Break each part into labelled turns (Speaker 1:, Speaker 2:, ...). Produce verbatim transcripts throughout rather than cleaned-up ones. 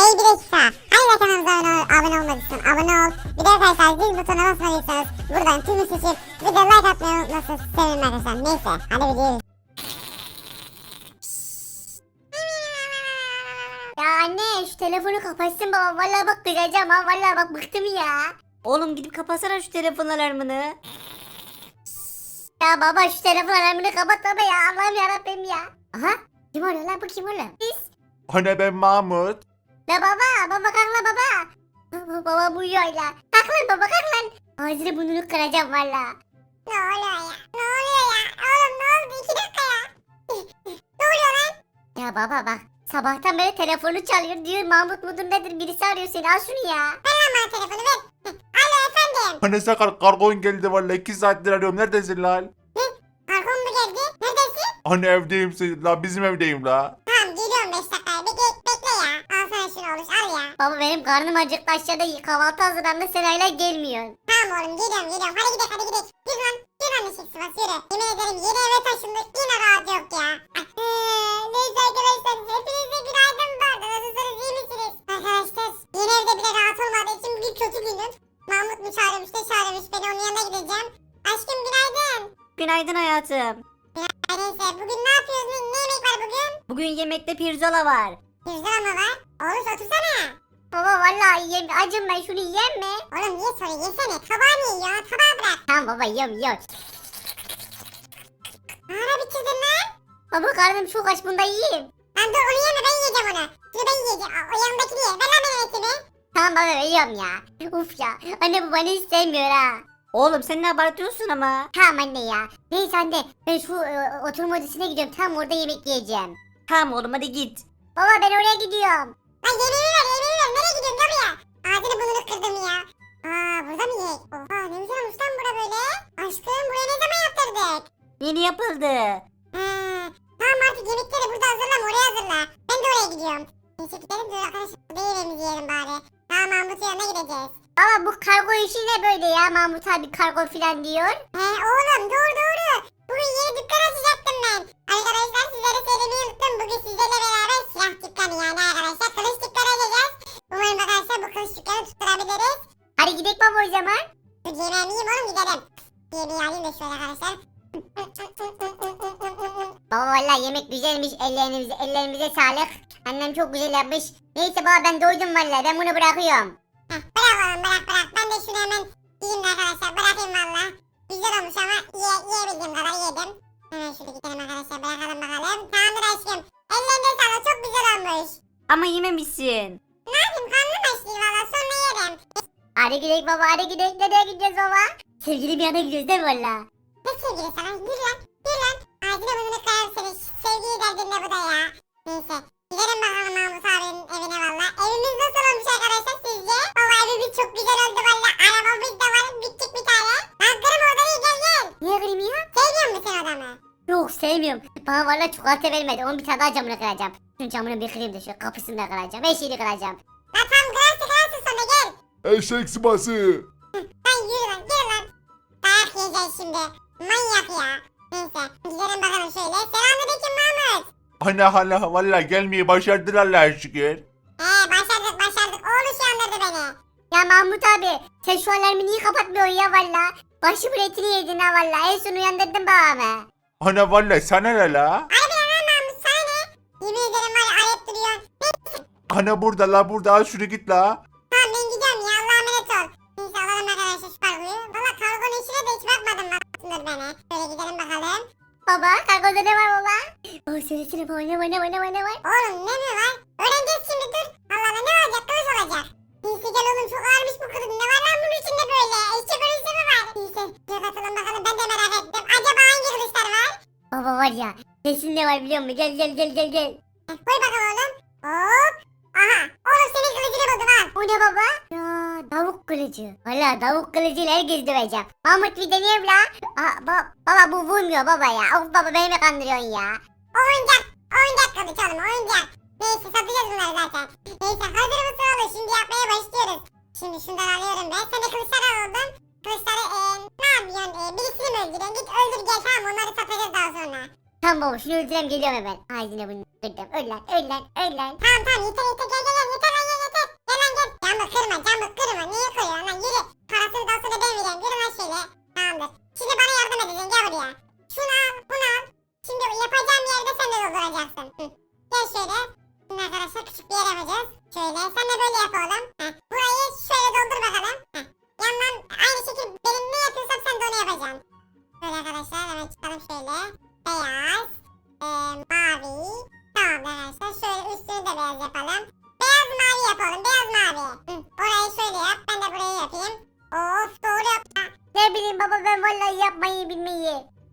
Speaker 1: Hey bir dakika. Hala kanalımıza abone, abone olmadıysan abone ol. Bir de arkadaşlar zil butonuna basmadıysanız buradan tümü seçip bir de like atmayı unutmazsanız sevinirim arkadaşlar. Neyse hadi videoyu.
Speaker 2: Ya anne şu telefonu kapatsın baba. Vallahi bak kızacağım ha. Vallahi bak bıktım ya.
Speaker 3: Oğlum gidip kapatsana şu telefon alarmını.
Speaker 2: Ya baba şu telefon alarmını kapat baba ya. Allah'ım yarabbim ya. Aha. Kim oluyor lan bu kim oluyor? Biz.
Speaker 4: Anne ben Mahmut.
Speaker 2: La baba. Baba kalk la baba. Baba, baba bu uyuyor la. Kalk lan baba kalk lan. Ağzını burnunu kıracağım valla.
Speaker 1: Ne oluyor ya? Ne oluyor ya? Oğlum ne oldu? İki dakika ya. Ne oluyor lan?
Speaker 2: Ya baba bak. Sabahtan beri telefonu çalıyor diyor. Mahmut mudur nedir birisi arıyor seni. Al şunu ya.
Speaker 1: Ver lan bana telefonu ver. Alo efendim.
Speaker 4: Anne sakar kargon geldi vallahi iki saattir arıyorum. Neredesin lan?
Speaker 1: Kargon mu geldi? Neredesin?
Speaker 4: Anne evdeyim sen- la bizim evdeyim la.
Speaker 1: Tamam geliyorum beş dakikaya. Bekle, bekle ya. Al sana şunu oluş al ya.
Speaker 2: Baba benim karnım acıktı aşağıda kahvaltı hazırlandı. Sen hala gelmiyorsun.
Speaker 1: Tamam oğlum geliyorum geliyorum. Hadi gidelim hadi gidelim. Yürü lan. Yürü lan ışık sıvası yürü. Yemin ederim yeni eve taşındık. Yine rahat yok ya. Ah, neyse arkadaşlar. Hepinize günaydın bu arada. Nasılsınız iyi misiniz? Arkadaşlar yeni evde bile rahat olmadığı için bugün kötü günüm. Mahmut mu çağırmış ne çağırmış. Ben onun yanına gideceğim. Aşkım günaydın.
Speaker 3: Günaydın hayatım.
Speaker 1: Ay, neyse bugün ne yapıyoruz? Ne, ne yemek var bugün?
Speaker 3: Bugün yemekte pirzola var.
Speaker 1: Pirzola mı var? Oğlum otursana.
Speaker 2: Baba vallahi yem acım ben şunu yiyeyim mi?
Speaker 1: Oğlum niye soruyor? Yesene. Tabağı niye yiyor? Tabağı bırak.
Speaker 2: Tamam baba yiyorum yiyorum.
Speaker 1: Ara bitirdin lan.
Speaker 2: Baba karnım çok aç bunda yiyeyim.
Speaker 1: Lan dur onu yeme ben yiyeceğim onu. Şunu ben yiyeceğim. O, o yanındakini ye. Ver lan benim etimi.
Speaker 2: Tamam baba yiyorum ya. Uf ya anne bu beni istemiyor ha.
Speaker 3: Oğlum sen ne abartıyorsun ama.
Speaker 2: Tamam anne ya. Neyse anne ben şu e, oturma odasına gidiyorum. Tam orada yemek yiyeceğim.
Speaker 3: Tamam oğlum hadi git.
Speaker 2: Baba ben oraya gidiyorum.
Speaker 1: Lan yemeğimi ver yemeğimi ver. Nereye gidiyorsun gel buraya. Ağzını burnunu kırdım ya. Aa burada mı yiyek? Oha ne güzel olmuş lan bura böyle. Aşkım buraya ne zaman yaptırdık?
Speaker 3: Yeni yapıldı.
Speaker 1: He. Tamam artık yemekleri burada hazırlama oraya hazırla. Ben de oraya gidiyorum. Neyse gidelim dur arkadaşlar. Burada yemeğimizi yiyelim bari. Tamam Mahmut'un yanına gideceğiz.
Speaker 2: Baba bu kargo işi ne böyle ya? Mahmut abi kargo filan diyor.
Speaker 1: He oğlum doğru doğru. Bugün yeni dükkan açacaktım ben. Arkadaşlar sizlere söylemeyi unuttum. Bugün sizlerle beraber silah dükkanı yani arkadaşlar. Kılıç dükkanı açacağız. Umarım arkadaşlar bu kılıç dükkanı tutturabiliriz.
Speaker 2: Hadi gidelim baba o zaman.
Speaker 1: Dur yemeğimi yiyeyim oğlum gidelim. Yemeği alayım da şöyle arkadaşlar.
Speaker 2: Baba vallahi yemek güzelmiş. Ellerinize, ellerimize sağlık. Annem çok güzel yapmış. Neyse baba ben doydum vallahi. Ben bunu bırakıyorum.
Speaker 1: Heh, bırak oğlum bırak bırak. Ben de şunu hemen yiyeyim de arkadaşlar. Bırakayım valla. Güzel olmuş ama ye, yiyebildiğim kadar yedim. Hemen şöyle gidelim arkadaşlar. Bırakalım bakalım. Tamamdır aşkım. Ellerine sağlık. Çok güzel olmuş.
Speaker 3: Ama yememişsin.
Speaker 1: Ne yapayım? Karnım açtı valla. Sonra yerim.
Speaker 2: Hadi gidelim baba hadi gidelim. Nereye gideceğiz baba? Sevgili bir yana gidiyoruz değil mi valla?
Speaker 1: Ne sevgili sana? Yürü lan. Yürü lan. Ağzını burnunu kırarım seni. Sevgili derdin ne bu da ya? Neyse. Gidelim bakalım Mahmut abinin evine valla. Evimiz nasıl olmuş arkadaşlar sizce? Valla evimiz çok güzel oldu valla. Arabamız da var. Bittik bir tane. Lan kırım odayı gel gel.
Speaker 2: Niye kırayım ya?
Speaker 1: Sevmiyor musun odamı?
Speaker 2: Yok sevmiyorum. Bana valla çikolata vermedi. Onun bir tane daha camını kıracağım. Şunun camını bir kırayım da şu kapısını da kıracağım. Her şeyini kıracağım.
Speaker 1: Lan tam kırarsın kırarsın sonra gel.
Speaker 4: Eşek sıması.
Speaker 1: Lan yürü lan yürü lan. Dayak yiyeceğiz şimdi. Manyak ya. Neyse gidelim bakalım şöyle. Selamünaleyküm Mahmut.
Speaker 4: Anne hala vallahi gelmeyi başardılar Allah'a şükür.
Speaker 1: He başardık başardık. Oğlu şu andırdı beni.
Speaker 2: Ya Mahmut abi sen şu alarmı niye kapatmıyorsun ya valla? Başımın etini yedin ha valla. En son uyandırdın babamı.
Speaker 4: Anne vallahi sana ne la?
Speaker 1: Hadi bir lan Mahmut sana ne? Yemin ederim var ya ayıp duruyorsun.
Speaker 4: Anne burada la burada al şunu git la.
Speaker 1: Tamam ben gidiyorum ya Allah'a emanet ol. Neyse alalım arkadaşlar şu kargoyu. Valla kargonun işine de hiç bakmadım baksındır beni. Şöyle gidelim bakalım.
Speaker 2: Baba kargoda ne var baba? Oh söylesene baba ne var ne var ne var ne var?
Speaker 1: Oğlum ne mi var? Öğreneceğiz şimdi dur. Allah Allah ne olacak kılıç olacak. Neyse gel oğlum çok ağırmış bu kılıç. Ne var lan bunun içinde böyle? Eşek kılıçı mı var? Neyse gel bakalım bakalım ben de merak ettim. Acaba hangi kılıçlar var?
Speaker 2: Baba var ya kesin ne var biliyor musun? Gel gel gel gel gel.
Speaker 1: Heh, koy bakalım oğlum. Hop. Aha. Oğlum senin kılıcını buldum al.
Speaker 2: O ne baba? Ya tavuk kılıcı. Valla tavuk kılıcıyla herkes döveceğim. Mahmut bir deneyelim la. Aa, ba- baba bu vurmuyor baba ya. Of baba beni mi kandırıyorsun ya?
Speaker 1: Oyuncak. Oyuncak kılıç oğlum oyuncak. Neyse satacağız bunları zaten. Neyse hazır mısın oğlum? Şimdi yapmaya başlıyoruz. Şimdi şundan alıyorum ben. Sen de kılıçları aldın. Kılıçları eee ne yapıyorsun? Eee birisini mi öldürüyorsun? Git öldür gel tamam onları satacağız daha sonra.
Speaker 2: Tamam baba şunu öldüreyim geliyorum hemen. Ay yine bunu kırdım. Öl lan öl lan öl lan.
Speaker 1: Tamam tamam yeter yeter gel gel gel yeter lan gel gel. Şöyle sen de böyle yap oğlum. Heh, burayı şöyle doldur bakalım. Heh, yandan aynı şekilde benim ne yapıyorsam sen de onu yapacaksın. Böyle arkadaşlar hemen çıkalım şöyle. Beyaz. E, mavi. Tamam arkadaşlar şöyle üstünü de beyaz yapalım. Beyaz mavi yapalım. Beyaz mavi. Hı, orayı şöyle yap. Ben de burayı yapayım. Of doğru yap.
Speaker 2: Ne bileyim baba ben vallahi yapmayı bilmeyi.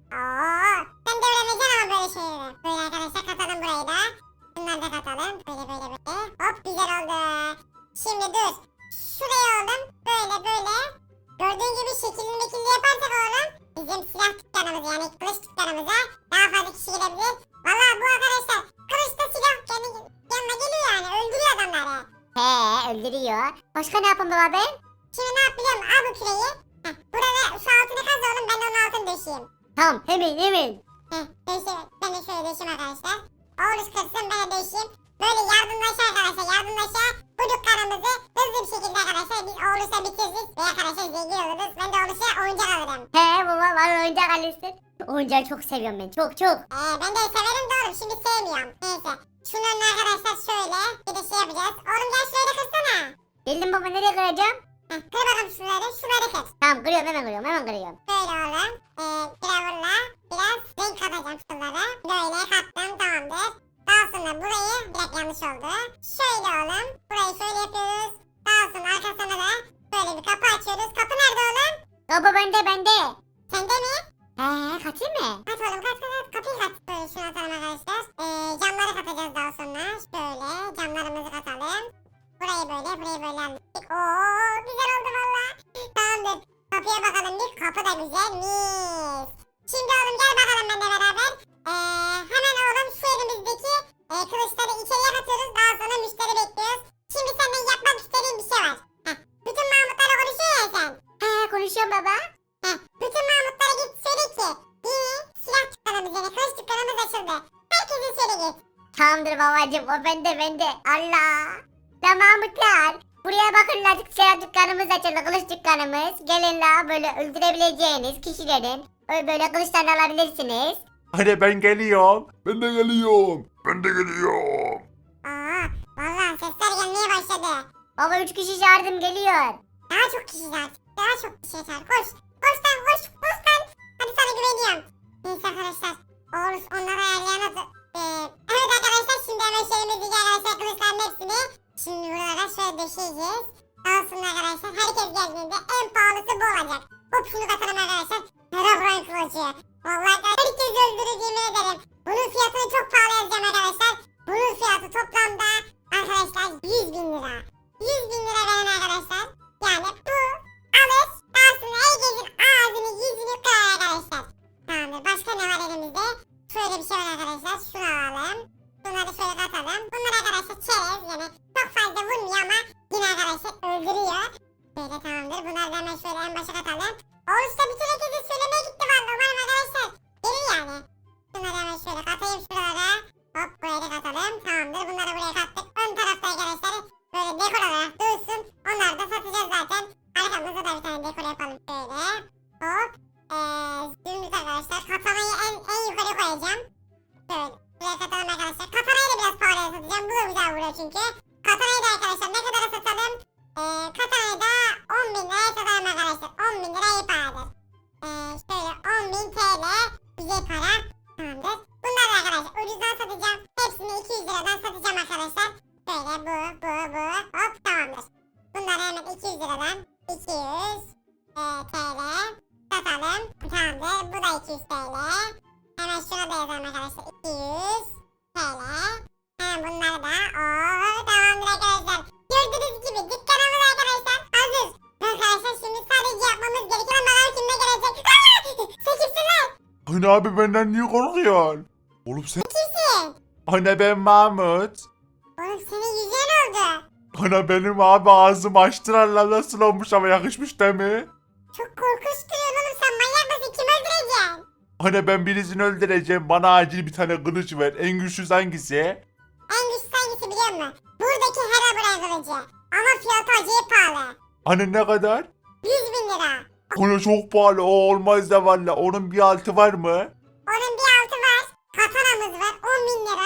Speaker 1: Oo, sen de öğreneceksin ama böyle şeyleri. Böyle arkadaşlar katalım burayı da. Bunları da katalım. Böyle böyle böyle. Hop güzel oldu. Şimdi dur. Şuraya oğlum. Böyle böyle. Gördüğün gibi şekilli mekilli yaparsak oğlum. Bizim silah dükkanımız yani kılıç dükkanımıza daha fazla kişi girebilir. Valla bu arkadaşlar kılıçta silah kendi yanına geliyor yani. Öldürüyor adamları.
Speaker 2: He öldürüyor. Başka ne yapayım baba ben?
Speaker 1: Şimdi ne yap biliyor musun? Al bu küreği. Heh, burada şu altını kaz oğlum. Ben de onun altını döşeyeyim.
Speaker 2: Tamam hemen hemen.
Speaker 1: Heh, döşeyim. Ben de şöyle döşeyim arkadaşlar. Oğlum kırsın ben de döşeyim. Böyle yardımlaşa arkadaşlar yardımlaşa bu dükkanımızı hızlı bir şekilde arkadaşlar biz Oğluş'la bitiririz. Ve arkadaşlar zengin oluruz. Ben de Oğluş'a oyuncak alırım.
Speaker 2: He baba bana oyuncak alırsın. Oyuncağı çok seviyorum ben çok çok.
Speaker 1: Ee, ben de severim de oğlum şimdi sevmiyorum. Neyse. Şunun arkadaşlar şöyle bir de şey yapacağız. Oğlum gel şöyle kırsana.
Speaker 2: Geldim baba nereye kıracağım?
Speaker 1: Heh, kır bakalım şunları. Şunları kır.
Speaker 2: Tamam kırıyorum hemen kırıyorum hemen kırıyorum.
Speaker 1: Böyle oğlum. Ee, gravurla biraz renk katacağım şunlara. Böyle kattım tamamdır. Daha sonra burayı biraz yanlış oldu. Şöyle oğlum. Burayı şöyle yapıyoruz. Daha sonra arkasına da böyle bir kapı açıyoruz. Kapı nerede oğlum?
Speaker 2: Baba bende bende.
Speaker 1: Sende mi?
Speaker 2: He katayım mı?
Speaker 1: Kat oğlum kat kat kat. Kapıyı kat. Böyle şunu atalım arkadaşlar. Ee, camları katacağız daha sonra. Şöyle camlarımızı katalım. Burayı böyle burayı böyle hallettik. Oo güzel oldu valla. Tamamdır. Kapıya bakalım bir. Kapı da güzel. Mis. Şimdi oğlum gel bakalım benimle beraber. Ee, hemen oğlum şu elimizdeki e, kılıçları içeriye katıyoruz. Daha sonra müşteri bekliyoruz. Şimdi senden yapmak istediğim bir şey var. Heh, bütün Mahmutlarla konuşuyor ya sen.
Speaker 2: He konuşuyorum baba.
Speaker 1: Heh, bütün Mahmutlara git söyle ki yeni silah dükkanımız yani kılıç dükkanımız açıldı. Herkese söyle git.
Speaker 2: Tamamdır babacım o bende bende. Allah. La Mahmutlar. Buraya bakın la silah dükkanımız açıldı kılıç dükkanımız. Gelin la böyle öldürebileceğiniz kişilerin böyle, böyle kılıçlarını alabilirsiniz.
Speaker 4: Hani ben geliyorum.
Speaker 5: Ben de geliyorum. Ben de geliyorum.
Speaker 1: Aa, vallahi sesler gelmeye başladı.
Speaker 2: Baba üç kişi çağırdım geliyor.
Speaker 1: Daha çok kişi var. Daha çok kişi var. Koş. Koş lan koş. Koş lan. Hadi sana güveniyorum. Neyse arkadaşlar. Oğuz onları ayarlayamadı. Ee, evet arkadaşlar şimdi hemen şeyimizdeki arkadaşlar kılıçların hepsini şimdi buralara şöyle döşeyeceğiz. Daha sonra arkadaşlar herkes geldiğinde en pahalısı bu olacak. Hop şunu katalım arkadaşlar. Herobrine kılıcı. Vallahi herkes öldürür yemin ederim. Bunun fiyatını çok pahalı yazacağım arkadaşlar. Bunun fiyatı toplamda arkadaşlar yüz bin lira. yüz bin lira veren arkadaşlar. Yani bu alır. Daha sonra herkesin ağzını yüzünü kırar arkadaşlar. Tamamdır. Başka ne var elimizde? Şöyle bir şey var arkadaşlar. Şunu alalım. Bunları şöyle katalım. Bunlar arkadaşlar çerez yani çok fazla vurmuyor ama yine arkadaşlar öldürüyor. Böyle tamamdır. Bunları da hemen şöyle en başa katalım. Oğuz'da bütün herkese söylemeye gitti valla. Umarım arkadaşlar gelir yani. Bunları hemen şöyle katayım şuralara. Hop buraya da katalım. Tamamdır. Bunları buraya kattık. Ön tarafta arkadaşlar böyle dekor olarak dursun. Onları da satacağız zaten. Arkamızda da bir tane dekor yapalım şöyle. Hop. Ee, dümdüz arkadaşlar. Katanayı en, en yukarı koyacağım. Şöyle. Buraya katalım arkadaşlar. Katanayı da biraz pahalıya satacağım. Bu da güzel vuruyor çünkü. Katanayı da arkadaşlar ne kadara satalım? Ee, katanayı da on bin liraya satalım arkadaşlar. on bin lira iyi paradır. Ee, şöyle on bin T L güzel para. Tamamdır. Bunları da arkadaşlar ucuzdan satacağım. Hepsini iki yüz liradan satacağım arkadaşlar. Böyle bu bu bu. Hop tamamdır. Bunları hemen iki yüz liradan iki yüz e, T L satalım. Tamamdır. Bu da iki yüz T L. Hemen şuna da yazalım arkadaşlar. iki yüz T L. Hemen bunları da. Oo, tamamdır arkadaşlar. Gördüğünüz gibi dükkanımız arkadaşlar hazır. Arkadaşlar şimdi sadece yapmamız gerekiyor. Bakalım kimle gelecek. Sen kimsin lan?
Speaker 4: Hani abi benden niye korkuyorsun? Oğlum sen...
Speaker 1: Kimsin?
Speaker 4: Hani ben Mahmut.
Speaker 1: Oğlum senin yüzüğün oldu.
Speaker 4: Hani benim abi ağzım açtılar lan nasıl olmuş ama yakışmış değil mi?
Speaker 1: Çok korkunç duruyorsun oğlum sen manyak mısın? Kim öldüreceksin?
Speaker 4: Hani ben birisini öldüreceğim bana acil bir tane kılıç ver. En güçlüsü hangisi?
Speaker 1: En güçlü hangisi biliyor musun? Buradaki Herobrine kılıcı. Ama fiyatı acayip pahalı.
Speaker 4: Hani ne kadar?
Speaker 1: yüz bin lira.
Speaker 4: Hani çok pahalı o olmaz da valla. Onun bir altı var mı?
Speaker 1: Onun bir altı var. Katanamız var on bin lira.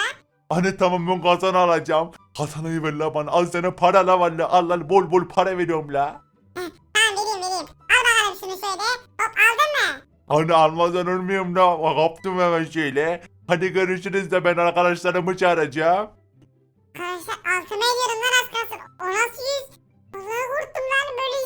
Speaker 4: Anne tamam ben kazanı alacağım. Kazanayı ver la bana. Al sana para la valla. Al al bol bol para veriyorum la.
Speaker 1: Tamam vereyim vereyim. Al bakalım şunu şöyle. Hop aldın mı?
Speaker 4: Anne almadan ölmüyorum la. Kaptım hemen şöyle. Hadi görüşürüz de ben arkadaşlarımı çağıracağım.
Speaker 1: Arkadaşlar altıma ediyorum lan az kalsın. O nasıl yüz? Vallahi korktum lan böyle.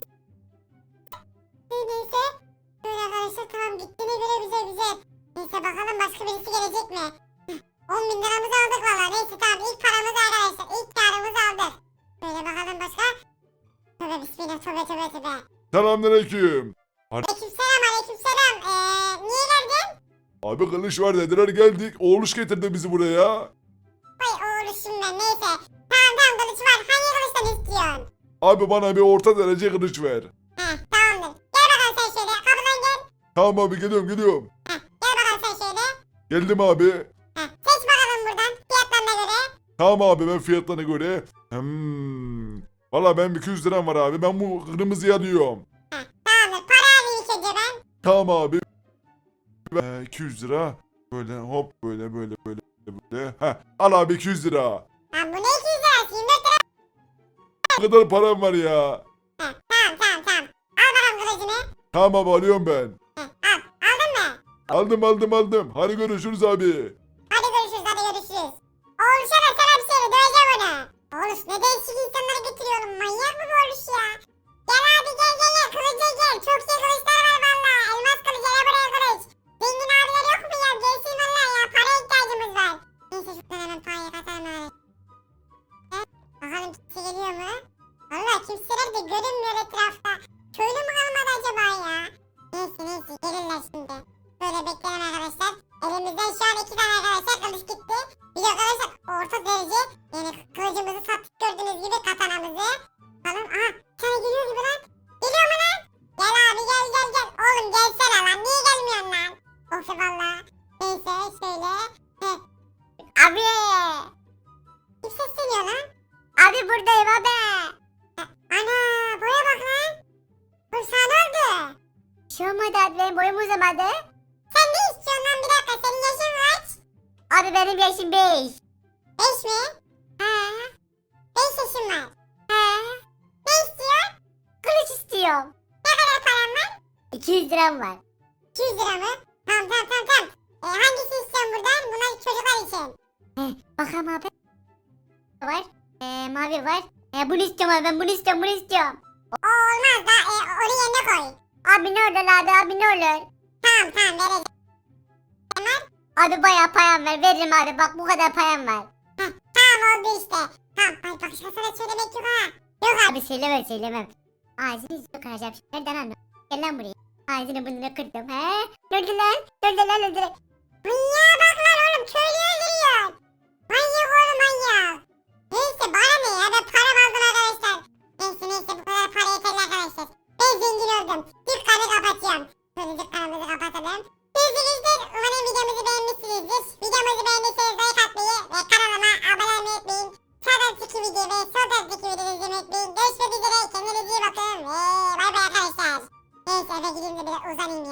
Speaker 1: Neyse. Böyle arkadaşlar tamam gittiğine göre güzel güzel. Neyse bakalım başka birisi gelecek mi? on bin liramızı aldık valla. Neyse tamam ilk paramızı arkadaşlar. İlk karımızı aldık. Böyle bakalım başka. Tövbe bismillah tövbe tövbe tövbe.
Speaker 5: Selamünaleyküm.
Speaker 1: Aleykümselam aleykümselam. Eee niye geldin?
Speaker 5: Abi kılıç var dediler geldik. Oğluş getirdi bizi buraya.
Speaker 1: Vay oğluşum ben neyse. Tamam tamam kılıç var. Hangi kılıçtan istiyorsun?
Speaker 5: Abi bana bir orta derece kılıç ver.
Speaker 1: Heh tamamdır. Gel bakalım sen şöyle. Kapıdan gel.
Speaker 5: Tamam abi geliyorum geliyorum.
Speaker 1: Heh gel bakalım sen şöyle.
Speaker 5: Geldim abi.
Speaker 1: Heh seç bakalım buradan. Fiyatlarına göre.
Speaker 5: Tamam abi ben fiyatlarına göre. Hmm. Valla ben iki yüz liram var abi. Ben bu kırmızıyı alıyorum.
Speaker 1: Heh tamamdır. Para alayım ilk önce ben.
Speaker 5: Tamam abi. Ee, iki yüz lira. Böyle hop böyle böyle böyle böyle. Heh. Al abi iki yüz lira.
Speaker 1: Lan bu ne iki yüz lirası? yirmi dört lira.
Speaker 5: Ne kadar param var ya.
Speaker 1: Heh tamam tamam tamam. Al bakalım kılıcını.
Speaker 5: Tamam abi alıyorum ben.
Speaker 1: Heh al. Aldın mı?
Speaker 5: Aldım aldım aldım. Hadi görüşürüz abi.
Speaker 1: Hadi görüşürüz hadi görüşürüz. Oğluşa da selam söyle. Döveceğim onu. Oğluş ne değişik insanları getiriyorum. Manyak mı bu oğluş ya? Gel abi gel gel gel. Kılıca gel. Çok iyi kılıçlar var valla. Elmas kılıç hele buraya kılıç. Zengin abiler yok mu ya? Gelsin valla ya. Paraya ihtiyacımız var. Neyse şuradan hemen parayı katalım abi. Evet, bakalım kimse geliyor mu? Valla kimseler de görünmüyor etrafta. Köylü mü kalmadı acaba ya? Neyse neyse gelirler şimdi. Böyle bekleyelim arkadaşlar. Elimizden şu an iki tane arkadaşlar kılıç gitti. Bir de arkadaşlar orta derece yani kılıcımızı sattık gördüğünüz gibi katanamızı. Bakalım aha bir tane geliyor gibi lan. Geliyor mu lan? Gel abi gel gel gel. Oğlum gelsene lan niye gelmiyorsun lan? Of valla. Neyse şöyle. Heh.
Speaker 2: Abi.
Speaker 1: Kim sesleniyor lan?
Speaker 2: Abi buradayım abi.
Speaker 1: Ana boya bak lan. Dur sana ne oldu?
Speaker 2: Bir şey olmadı abi benim boyum uzamadı.
Speaker 1: Sen ne istiyorsun lan bir dakika senin yaşın kaç?
Speaker 2: Abi benim yaşım beş.
Speaker 1: Beş mi?
Speaker 2: He.
Speaker 1: Beş yaşın var.
Speaker 2: He.
Speaker 1: Ne istiyorsun?
Speaker 2: Kılıç istiyorum.
Speaker 1: Ne kadar paran var?
Speaker 2: iki yüz liram var.
Speaker 1: iki yüz lira mı? Tamam tamam tamam tamam. Ee, hangisini istiyorsun buradan? Bunlar çocuklar için.
Speaker 2: He. Bakalım abi. Var. Ee, mavi var. Ee, bunu istiyorum abi ben bunu istiyorum bunu istiyorum.
Speaker 1: O olmaz da e, onu yerine koy.
Speaker 2: Abi ne olur abi abi ne olur.
Speaker 1: Tamam tamam vereceğim.
Speaker 2: Abi bayağı payam var veririm abi bak bu kadar payam var.
Speaker 1: Heh, tamam oldu işte. Tamam ay başkasına söylemek yok ha. Yok abi.
Speaker 2: Abi söylemem söylemem. Ağzını yüzünü kıracağım şimdi nereden anladın? Gel lan buraya. Ağzını burnunu kırdım he. Öldü lan. Öldü lan öldü lan.
Speaker 1: Manyağa bak lan oğlum köylü öldürüyor. Manyak oğlum manyak. Neyse bana ne ya ben param aldım arkadaşlar. Neyse neyse bu kadar para yeterli arkadaşlar. Ben zengin oldum. Dükkanı kapatıyorum. Şöyle dükkanımızı kapatalım. Sevgili umarım videomuzu beğenmişsinizdir. Videomuzu beğendiyseniz like atmayı ve kanalıma abone olmayı unutmayın. Sağdaki videoyu ve soldaki videoyu izlemeyi unutmayın. Görüşmek üzere kendinize iyi bakın ve bay bay arkadaşlar. Neyse eve gideyim de biraz uzanayım